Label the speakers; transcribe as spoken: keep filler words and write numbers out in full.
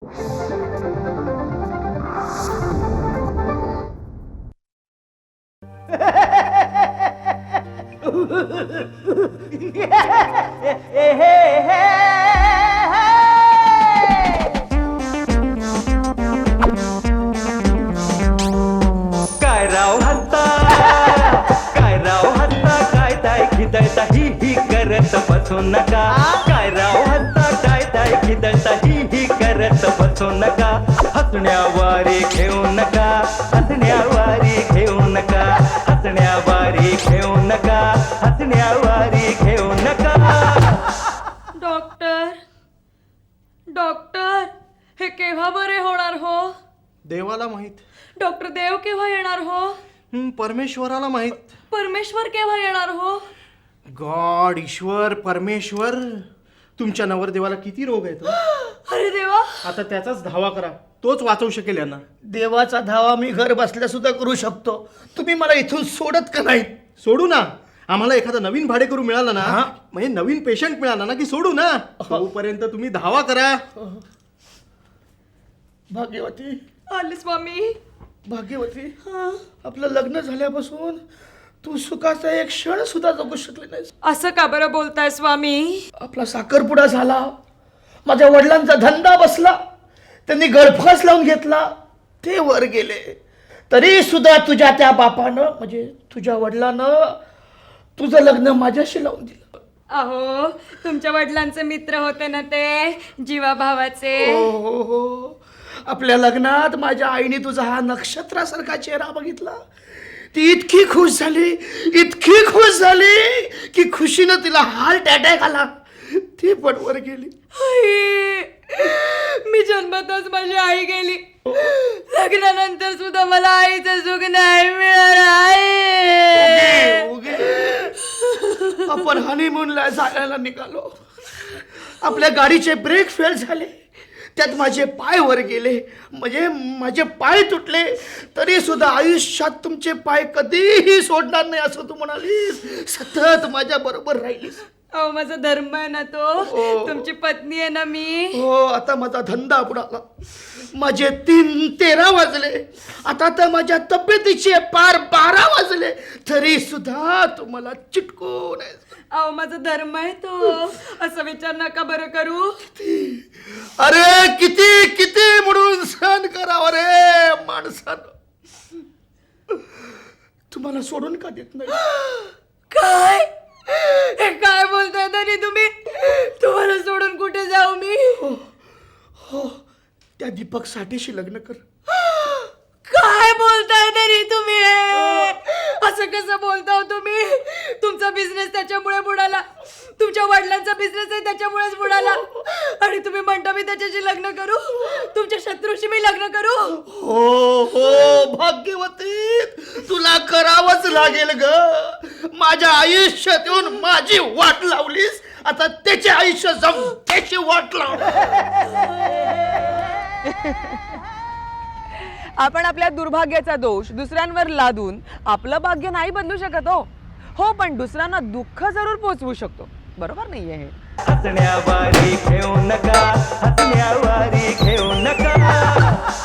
Speaker 1: काय राव हत्ता काय राव हत्ता काय ताय खिदळता ही ही करत बसू नका काय राव हत्ता काय ताय खिदळता ही ही करत बसू नका हसण्यावारे घेऊ नका हसण्यावारे घेऊ नका हसण्यावारे घेऊ नका हसण्यावारे घेऊ नका.
Speaker 2: डॉक्टर डॉक्टर हे केव्हा बरे होणार हो?
Speaker 3: देवाला माहित.
Speaker 2: डॉक्टर देव केव्हा येणार हो?
Speaker 3: हं, परमेश्वराला माहित.
Speaker 2: परमेश्वर केव्हा येणार हो?
Speaker 3: गॉड, ईश्वर, परमेश्वर. तुमच्या नवरदेवाला किती रोग आहेत?
Speaker 2: अरे देवा,
Speaker 3: आता त्याचाच धावा करा, तोच वाचवू शकेल यांना.
Speaker 4: देवाचा धावा मी घर बसल्या सुद्धा करू शकतो. तुम्ही मला इथून सोडत का नाही?
Speaker 3: सोडू ना. आम्हाला एखादा नवीन भाडेकरू मिळाला ना,
Speaker 4: हा?
Speaker 3: म्हणजे नवीन पेशंट मिळाला ना की सोडू ना. तोपर्यंत तुम्ही धावा करा.
Speaker 4: भाग्यवती,
Speaker 2: आले स्वामी.
Speaker 4: भाग्यवती, आपलं लग्न झाल्यापासून तू सुखाचा एक क्षण सुद्धा जगू शकले नाहीस.
Speaker 2: असं का बरं बोलताय स्वामी?
Speaker 4: आपला साखरपुडा झाला, माझ्या वडिलांचा धंदा बसला, त्यांनी गळफास लावून घेतला, ते वर गेले, तरी सुद्धा तुझ्या त्या बापानं म्हणजे तुझ्या वडिलानं तुझं लग्न माझ्याशी लावून दिलं.
Speaker 2: अहो, तुमच्या वडिलांचे मित्र होते ना ते, जीवा भावाचे.
Speaker 4: हो हो हो, आपल्या लग्नात माझ्या आईने तुझा हा नक्षत्रासारखा चेहरा बघितला. ती इतकी खुश झाली, इतकी खुश झाली की खुशीनं तिला हार्ट अटॅक आला. ती पण वर गेली.
Speaker 2: आई, मी जन्मतच माझी आई गेली. लग्नानंतर सुद्धा मला आईचं सुख नाही मिळालं. आई,
Speaker 4: उगे आपण हनीमूनला जायला निघालो, आपल्या गाडीचे ब्रेक फेल झाले, त्यात माझे पाय वर गेले, म्हणजे माझे पाय तुटले, तरी सुद्धा आयुष्यात तुमचे पाय कधीही सोडणार नाही असं तू म्हणालीस. सतत माझ्या बरोबर राहिलीस.
Speaker 2: अहो, माझा धर्म आहे ना तो. तुमची पत्नी आहे ना मी.
Speaker 4: हो, आता माझा धंदा बुडाला, माझे तीन तेरा वाजले, आता तर माझ्या तब्येतीचे पार बारा वाजले, तरी सुद्धा तुम्हाला चिटकून आहे.
Speaker 2: अहो, माझा धर्म आहे तो. असा विचार नका बरं करू.
Speaker 4: अरे किती किती म्हणून सहन करावं रे माणसानं. तुम्हाला सोडून का देत नाही?
Speaker 2: काय हे काय बोलताय तरी तुम्ही? तुम्हाला सोडून कुठे जाऊ मी?
Speaker 4: हो, त्या दीपक साठेशी लग्न कर.
Speaker 2: काय बोलताय तरी तुम्ही? असं कसं बोलता तुम्ही? तुमचा बिझनेस त्याच्यामुळे बुडाला, तुमच्या वडिलांचा बिझनेस आहे त्याच्यामुळेच बुडाला, आणि तुम्ही म्हणता मी त्याच्याशी लग्न करू? तुमच्या शत्रूशी मी लग्न करू?
Speaker 4: हो हो भाग्यवती, तुला करावंच लागेल ग. माझ्या आयुष्यात येऊन माझी वाट लावलीस, आता त्याचे आयुष्य जम त्याची वाट लाव.
Speaker 5: आपण आपल्या दुर्भाग्याचा दोष दुसऱ्यांवर लादून आपलं भाग्य नाही बदलू शकत हो. हो, पण दुसऱ्यांना दुःख जरूर पोचवू शकतो. बरोबर नाहीये हे?
Speaker 1: हसण्यावारे घेऊ नका हसण्यावारे घेऊ नका.